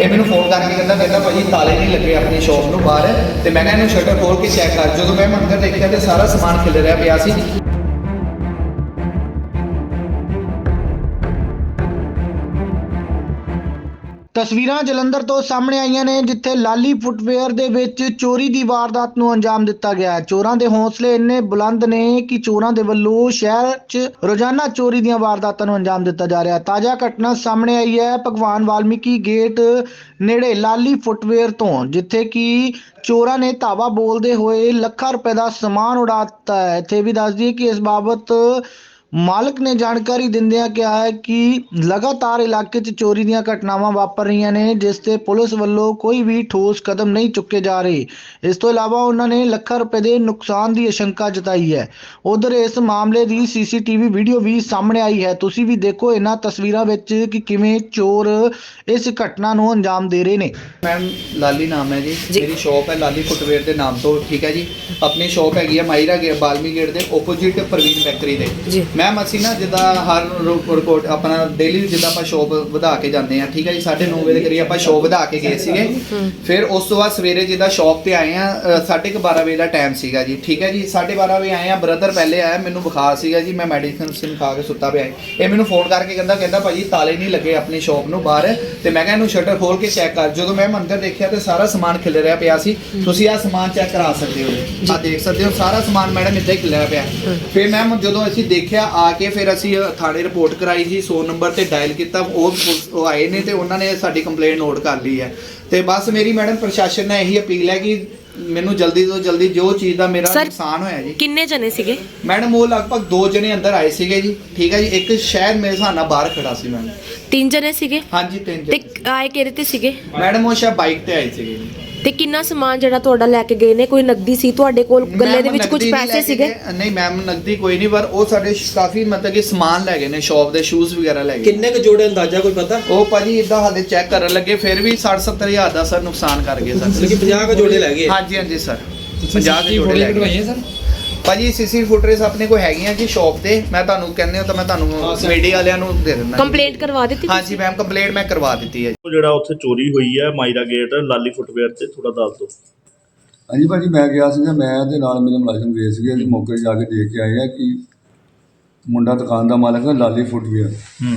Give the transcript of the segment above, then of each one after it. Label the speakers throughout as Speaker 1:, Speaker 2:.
Speaker 1: ਇਹ ਮੈਨੂੰ ਫੋਨ ਕਰਕੇ ਕਹਿੰਦਾ ਭਾਜੀ ਤਾਲੇ ਨਹੀਂ ਲੱਗੇ ਆਪਣੀ ਸ਼ੌਪ ਨੂੰ ਬਾਹਰ, ਤੇ ਮੈਂ ਕਿਹਾ ਇਹਨੂੰ ਸ਼ਟਰ ਖੋਲ ਕੇ ਚੈੱਕ ਕਰ। ਜਦੋਂ ਮੈਂ ਅੰਦਰ ਦੇਖਿਆ ਤੇ ਸਾਰਾ ਸਮਾਨ ਖਿਲ ਰਿਹਾ ਪਿਆ ਸੀ।
Speaker 2: ਤਸਵੀਰਾਂ ਜਲੰਧਰ ਤੋਂ ਸਾਹਮਣੇ ਆਈਆਂ ਨੇ, ਜਿੱਥੇ ਲਾਲੀ ਫੁੱਟਵੇਅਰ ਦੇ ਵਿੱਚ ਚੋਰੀ ਦੀ ਵਾਰਦਾਤ ਨੂੰ ਅੰਜਾਮ ਦਿੱਤਾ ਗਿਆ। ਚੋਰਾਂ ਦੇ ਹੌਸਲੇ ਇੰਨੇ ਬੁਲੰਦ ਨੇ ਕਿ ਚੋਰਾਂ ਦੇ ਵੱਲੋਂ ਸ਼ਹਿਰ 'ਚ ਰੋਜ਼ਾਨਾ ਚੋਰੀ ਦੀਆਂ ਵਾਰਦਾਤਾਂ ਨੂੰ ਅੰਜਾਮ ਦਿੱਤਾ ਜਾ ਰਿਹਾ। ਤਾਜ਼ਾ ਘਟਨਾ ਸਾਹਮਣੇ ਆਈ ਹੈ ਭਗਵਾਨ ਵਾਲਮੀਕੀ ਗੇਟ ਨੇੜੇ ਲਾਲੀ ਫੁੱਟਵੇਅਰ ਤੋਂ, ਜਿੱਥੇ ਕਿ ਚੋਰਾਂ ਨੇ ਧਾਵਾ ਬੋਲਦੇ ਹੋਏ ਲੱਖਾਂ ਰੁਪਏ ਦਾ ਸਮਾਨ ਉਡਾ ਦਿੱਤਾ ਹੈ। ਇੱਥੇ ਵੀ ਦੱਸ ਦਈਏ ਕਿ ਇਸ ਬਾਬਤ ਮਾਲਕ ਨੇ ਜਾਣਕਾਰੀ ਦਿੰਦਿਆਂ ਕਿਹਾ ਹੈ ਕਿ ਲਗਾਤਾਰ ਇਲਾਕੇ 'ਚ ਚੋਰੀ ਦੀਆਂ ਘਟਨਾਵਾਂ ਵਾਪਰ ਰਹੀਆਂ ਨੇ, ਜਿਸ ਤੇ ਪੁਲਿਸ ਵੱਲੋਂ ਕੋਈ ਵੀ ਠੋਸ ਕਦਮ ਨਹੀਂ ਚੁੱਕੇ ਜਾ ਰਹੇ। ਇਸ ਤੋਂ ਇਲਾਵਾ ਉਹਨਾਂ ਨੇ ਲੱਖਾਂ ਰੁਪਏ ਦੇ ਨੁਕਸਾਨ ਦੀ ਆਸ਼ੰਕਾ ਜਤਾਈ ਹੈ। ਉਧਰ ਇਸ ਮਾਮਲੇ ਦੀ ਸੀਸੀਟੀਵੀ ਵੀਡੀਓ ਵੀ ਸਾਹਮਣੇ ਆਈ ਹੈ। ਤੁਸੀਂ ਵੀ ਦੇਖੋ ਇਹਨਾਂ ਤਸਵੀਰਾਂ ਵਿੱਚ ਕਿ ਕਿਵੇਂ ਚੋਰ ਇਸ ਘਟਨਾ ਨੂੰ ਅੰਜਾਮ ਦੇ ਰਹੇ ਨੇ।
Speaker 1: ਮੈਮ ਲਾਲੀ ਨਾਮ ਹੈ ਜੀ, ਮੇਰੀ ਸ਼ੌਪ ਹੈ ਲਾਲੀ ਫੁੱਟਵੇਅਰ ਦੇ ਨਾਮ ਤੋਂ, ਠੀਕ ਹੈ ਜੀ। ਆਪਣੀ ਸ਼ੌਪ ਹੈਗੀ ਹੈ ਮਾਇਰਾ ਬਾਲਮੀ ਗੇਟ ਦੇ ਆਪੋਜ਼ਿਟ ਪ੍ਰਵੀਨ ਬੈਕਰੀ ਦੇ। ਮੈਮ ਅਸੀਂ ਨਾ ਜਿੱਦਾਂ ਹਰ ਰਿਪੋਰਟ ਆਪਣਾ ਡੇਲੀ ਜਿੱਦਾਂ ਆਪਾਂ ਸ਼ੌਪ ਵਧਾ ਕੇ ਜਾਂਦੇ ਆ, ਠੀਕ ਹੈ ਜੀ। 9:30 ਵਜੇ ਦੇ ਕਰੀਬ ਆਪਾਂ ਸ਼ੌਪ ਵਧਾ ਕੇ ਗਏ ਸੀਗੇ। ਫਿਰ ਉਸ ਤੋਂ ਬਾਅਦ ਸਵੇਰੇ ਜਿੱਦਾਂ ਸ਼ੌਪ ਤੇ ਆਏ ਆ 12:30 ਵਜੇ ਦਾ ਟਾਈਮ ਸੀਗਾ ਜੀ, ਠੀਕ ਹੈ ਜੀ। 12:30 ਵਜੇ ਆਏ ਆ, ਬ੍ਰਦਰ ਪਹਿਲੇ ਆਇਆ, ਮੈਨੂੰ ਬੁਖਾਰ ਸੀਗਾ ਜੀ, ਮੈਂ ਮੈਡੀਸਿਨ ਖਾ ਕੇ ਸੁੱਤਾ ਪਿਆ। ਇਹ ਮੈਨੂੰ ਫੋਨ ਕਰਕੇ ਕਹਿੰਦਾ ਭਾਜੀ ਤਾਲੇ ਨਹੀਂ ਲੱਗੇ ਆਪਣੀ ਸ਼ੌਪ ਨੂੰ ਬਾਹਰ, ਤੇ ਮੈਂ ਕਿਹਾ ਇਹਨੂੰ ਸ਼ਟਰ ਖੋਲ ਕੇ ਚੈੱਕ ਕਰ। ਜਦੋਂ ਮੈਂ ਅੰਦਰ ਦੇਖਿਆ ਤੇ ਸਾਰਾ ਸਮਾਨ ਖਿਲ ਰਿਹਾ ਪਿਆ ਸੀ। ਤੁਸੀਂ ਆਹ ਸਮਾਨ ਚੈੱਕ ਕਰਾ ਸਕਦੇ ਹੋ, ਆਹ ਦੇਖ ਸਕਦੇ ਹੋ ਸਾਰਾ ਸਮਾਨ ਮੈਡਮ ਇੱਦਾਂ ਹੀ ਖਿਲ ਰਿਹਾ ਪਿਆ। ਫਿਰ ਮੈਮ ਜਦੋਂ ਅਸੀਂ ਦੇਖਿਆ ਆ ਕੇ, ਫਿਰ ਅਸੀਂ ਥਾਣੇ ਰਿਪੋਰਟ ਕਰਾਈ ਜੀ, 100 ਨੰਬਰ ਤੇ ਡਾਇਲ ਕੀਤਾ। ਉਹ ਆਏ ਨੇ ਤੇ ਉਹਨਾਂ ਨੇ ਸਾਡੀ ਕੰਪਲੇਂਟ ਨੋਟ ਕਰ ਲਈ ਹੈ। ਤੇ ਬਸ ਮੇਰੀ ਮੈਡਮ ਪ੍ਰਸ਼ਾਸਨ ਨਾਲ ਇਹੀ ਅਪੀਲ ਹੈ ਕਿ ਮੈਨੂੰ ਜਲਦੀ ਤੋਂ ਜਲਦੀ ਜੋ ਚੀਜ਼ ਦਾ ਮੇਰਾ ਨੁਕਸਾਨ ਹੋਇਆ ਜੀ।
Speaker 3: ਕਿੰਨੇ ਜਣੇ ਸੀਗੇ
Speaker 1: ਮੈਡਮ? ਉਹ ਲਗਭਗ 2 ਜਣੇ ਅੰਦਰ ਆਏ ਸੀਗੇ ਜੀ, ਠੀਕ ਹੈ ਜੀ। ਇੱਕ ਸ਼ਾਇਦ ਮੇਰੇ ਹਿਸਾਬ ਨਾਲ ਬਾਹਰ ਖੜਾ ਸੀ ਮੈਮ।
Speaker 3: 3 ਜਣੇ ਸੀਗੇ?
Speaker 1: ਹਾਂਜੀ 3 ਜਣੇ।
Speaker 3: ਤੇ ਆਏ ਕਿਹਦੇ ਤੇ ਸੀਗੇ
Speaker 1: ਮੈਡਮ? ਉਹ ਸ਼ਾਇਦ ਬਾਈਕ ਤੇ ਆਏ ਸੀਗੇ ਜੀ।
Speaker 3: ਤੇ ਕਿੰਨਾ ਸਮਾਨ ਜਿਹੜਾ ਤੁਹਾਡਾ ਲੈ ਕੇ ਗਏ ਨੇ? ਕੋਈ ਨਕਦੀ ਸੀ ਤੁਹਾਡੇ ਕੋਲ? ਗੱਲੇ ਦੇ ਵਿੱਚ ਕੁਝ ਪੈਸੇ ਸੀਗੇ?
Speaker 1: ਨਹੀਂ ਮੈਮ ਨਕਦੀ ਕੋਈ ਨਹੀਂ, ਪਰ ਉਹ ਸਾਡੇ ਕਾਫੀ ਮਤਲਬ ਕਿ ਸਮਾਨ ਲੈ ਗਏ ਨੇ, ਸ਼ੌਪ ਦੇ ਸ਼ੂਜ਼ ਵਗੈਰਾ ਲੈ ਗਏ।
Speaker 4: ਕਿੰਨੇ ਕੁ ਜੋੜੇ ਅੰਦਾਜ਼ਾ ਕੋਈ ਪਤਾ?
Speaker 1: ਉਹ ਭਾਜੀ ਇਦਾਂ ਹਾਲੇ ਚੈੱਕ ਕਰਨ ਲੱਗੇ, ਫਿਰ ਵੀ 60-70 ਹਜ਼ਾਰ ਦਾ ਸਰ ਨੁਕਸਾਨ ਕਰ ਗਏ ਸਰ।
Speaker 4: ਮਤਲਬ ਕਿ 50 ਕੁ ਜੋੜੇ ਲੈ ਗਏ?
Speaker 1: ਹਾਂਜੀ ਹਾਂਜੀ ਸਰ, 50 ਜੋੜੇ ਲੈ ਗਏ ਸਰ। ਭਾਜੀ ਸੀਸੀ ਫੁਟਰੇਜ ਆਪਣੇ ਕੋਲ ਹੈਗੀਆਂ ਜੀ ਸ਼ੌਪ ਤੇ। ਮੈਂ ਤੁਹਾਨੂੰ ਕਹਿੰਦੇ ਹੋ ਤਾਂ ਮੈਂ ਤੁਹਾਨੂੰ ਮੀਡੀਆ ਵਾਲਿਆਂ ਨੂੰ ਦੇ ਦਿੰਦਾ।
Speaker 3: ਕੰਪਲੇਂਟ ਕਰਵਾ ਦਿੱਤੀ?
Speaker 1: ਹਾਂਜੀ ਮੈਮ ਕੰਪਲੇਂਟ ਮੈਂ ਕਰਵਾ ਦਿੱਤੀ ਹੈ।
Speaker 5: ਜਿਹੜਾ ਉੱਥੇ ਚੋਰੀ ਹੋਈ ਹੈ ਮਾਇਰਾ ਗੇਟ ਲਾਲੀ ਫੁੱਟਵੇਅਰ ਤੇ, ਥੋੜਾ ਦੱਸ ਦਿਓ।
Speaker 6: ਹਾਂਜੀ ਭਾਜੀ, ਮੈਂ ਗਿਆ ਸੀਗਾ, ਮੈਂ ਤੇ ਨਾਲ ਮੇਰੇ ਮੁਲਾਜ਼ਮ ਗਏ ਸੀਗੇ। ਅਸੀਂ ਮੌਕੇ 'ਤੇ ਜਾ ਕੇ ਦੇਖ ਕੇ ਆਏ ਆ ਕਿ ਮੁੰਡਾ ਦੁਕਾਨ ਦਾ ਮਾਲਕ ਹੈ ਲਾਲੀ ਫੁੱਟਵੇਅਰ।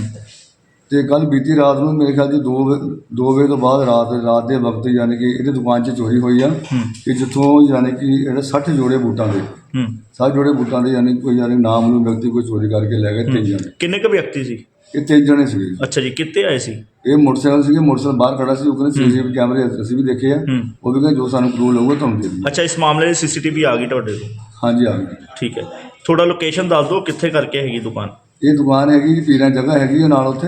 Speaker 6: ਤੇ ਕੱਲ ਬੀਤੀ ਰਾਤ ਨੂੰ ਮੇਰੇ ਖਿਆਲ 'ਚ 2 ਵਜੇ ਤੋਂ ਬਾਅਦ ਰਾਤ ਦੇ ਵਕਤ ਯਾਨੀ ਕਿ ਇਹਦੀ ਦੁਕਾਨ 'ਚ ਚੋਰੀ ਹੋਈ ਆ ਕਿ ਜਿੱਥੋਂ ਯਾਨੀ ਕਿ ਇਹਦੇ 60 ਜੋੜੇ ਬੂਟਾਂ ਦੇ 60 ਜੋੜੇ ਬੂਟਾਂ ਦੇ ਯਾਨੀ ਕੋਈ ਨਾਮ ਨੂੰ ਵਿਅਕਤੀ ਕੋਈ ਚੋਰੀ ਕਰਕੇ ਲੈ ਗਏ। 3 ਜਣੇ।
Speaker 5: ਕਿੰਨੇ ਕੁ ਵਿਅਕਤੀ ਸੀ
Speaker 6: ਇਹ? 3 ਜਣੇ ਸੀਗੇ।
Speaker 5: ਅੱਛਾ ਜੀ, ਕਿੱਥੇ ਆਏ ਸੀ?
Speaker 6: ਇਹ ਮੋਟਰਸਾਈਕਲ ਸੀਗੇ, ਮੋਟਰਸਾਈਕਲ ਬਾਹਰ ਖੜਾ ਸੀ। ਉਹ ਕਹਿੰਦੇ ਸੀਸੀਟੀਵੀ ਕੈਮਰੇ ਅਸੀਂ ਵੀ ਦੇਖੇ ਆ, ਉਹ ਵੀ ਕਹਿੰਦੇ ਜੋ ਸਾਨੂੰ ਕਲੂ ਲਊਗਾ ਤੁਹਾਨੂੰ ਦੇ ਦਿੰਦੇ।
Speaker 5: ਅੱਛਾ, ਇਸ ਮਾਮਲੇ ਦੀ ਸੀਸੀਟੀਵੀ ਆ ਗਈ ਤੁਹਾਡੇ ਕੋਲ? ਹਾਂਜੀ
Speaker 6: ਆ ਗਈ।
Speaker 5: ਠੀਕ ਹੈ, ਥੋੜਾ ਲੋਕੇਸ਼ਨ ਦੱਸ ਦਿਓ ਕਿੱਥੇ ਕਰਕੇ ਹੈਗੀ ਦੁਕਾਨ?
Speaker 6: ਇਹ ਦੁਕਾਨ ਹੈਗੀ ਜੀ ਪੀਰਾਂ ਜਗ੍ਹਾ ਹੈਗੀ ਆ ਨਾਲ ਉੱਥੇ।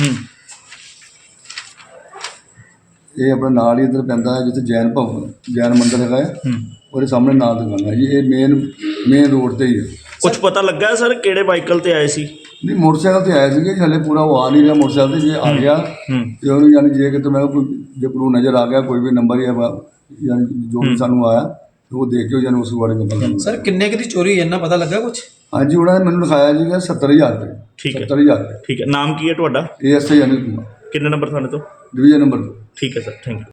Speaker 6: ਇਹ ਆਪਣਾ ਨਾਲ ਹੀ ਇੱਧਰ ਪੈਂਦਾ ਹੈ ਜਿੱਥੇ ਜੈਨ ਮੰਦਿਰ ਹੈਗਾ ਹੈ, ਉਹਦੇ ਸਾਹਮਣੇ ਨਾਲ ਦੁਕਾਨ ਹੈ ਜੀ। ਇਹ ਮੇਨ ਰੋਡ ਤੇ ਹੀ ਹੈ।
Speaker 5: ਕੁਝ ਪਤਾ ਲੱਗਾ ਸਰ ਕਿਹੜੇ ਵਾਹੀਕਲ ਤੇ ਆਏ ਸੀ?
Speaker 6: ਨਹੀਂ ਮੋਟਰਸਾਈਕਲ ਤੇ ਆਏ ਸੀਗੇ, ਹਲੇ ਪੂਰਾ ਉਹ ਆ ਨਹੀਂ ਰਿਹਾ ਮੋਟਰਸਾਈਕਲ ਤੇ। ਜੇ ਆ ਗਿਆ ਤੇ ਉਹਨੂੰ ਯਾਨੀ ਜੇ ਕਿਤੇ ਮੈਂ ਕੋਈ ਜੇ ਕਰੂ ਨਜ਼ਰ ਆ ਗਿਆ ਕੋਈ ਵੀ ਨੰਬਰ ਯਾਨੀ ਜੋ ਵੀ ਸਾਨੂੰ ਆਇਆ ਤੇ ਉਹ ਦੇਖ ਕੇ ਯਾਨੀ ਉਸ ਬਾਰੇ ਪਤਾ ਲੱਗਦਾ।
Speaker 4: ਸਰ ਕਿੰਨੇ ਕੁ ਦੀ ਚੋਰੀ ਇੰਨਾ ਪਤਾ ਲੱਗਾ ਕੁਝ?
Speaker 6: ਹਾਂਜੀ, ਉਹਨਾਂ ਨੇ ਮੈਨੂੰ ਲਿਖਾਇਆ ਜੀ 70,000 ਰੁਪਏ।
Speaker 5: ਠੀਕ ਹੈ,
Speaker 6: 70,000 ਰੁਪਏ।
Speaker 5: ਠੀਕ ਹੈ। ਨਾਮ ਕੀ ਹੈ ਤੁਹਾਡਾ?
Speaker 6: ASI ਅਨਿਲ ਕੁਮਾਰ।
Speaker 5: ਕਿੰਨੇ ਨੰਬਰ ਥਾਣੇ ਤੋਂ?
Speaker 6: Division number 2।
Speaker 5: ਠੀਕ ਹੈ ਸਰ, ਥੈਂਕ ਯੂ।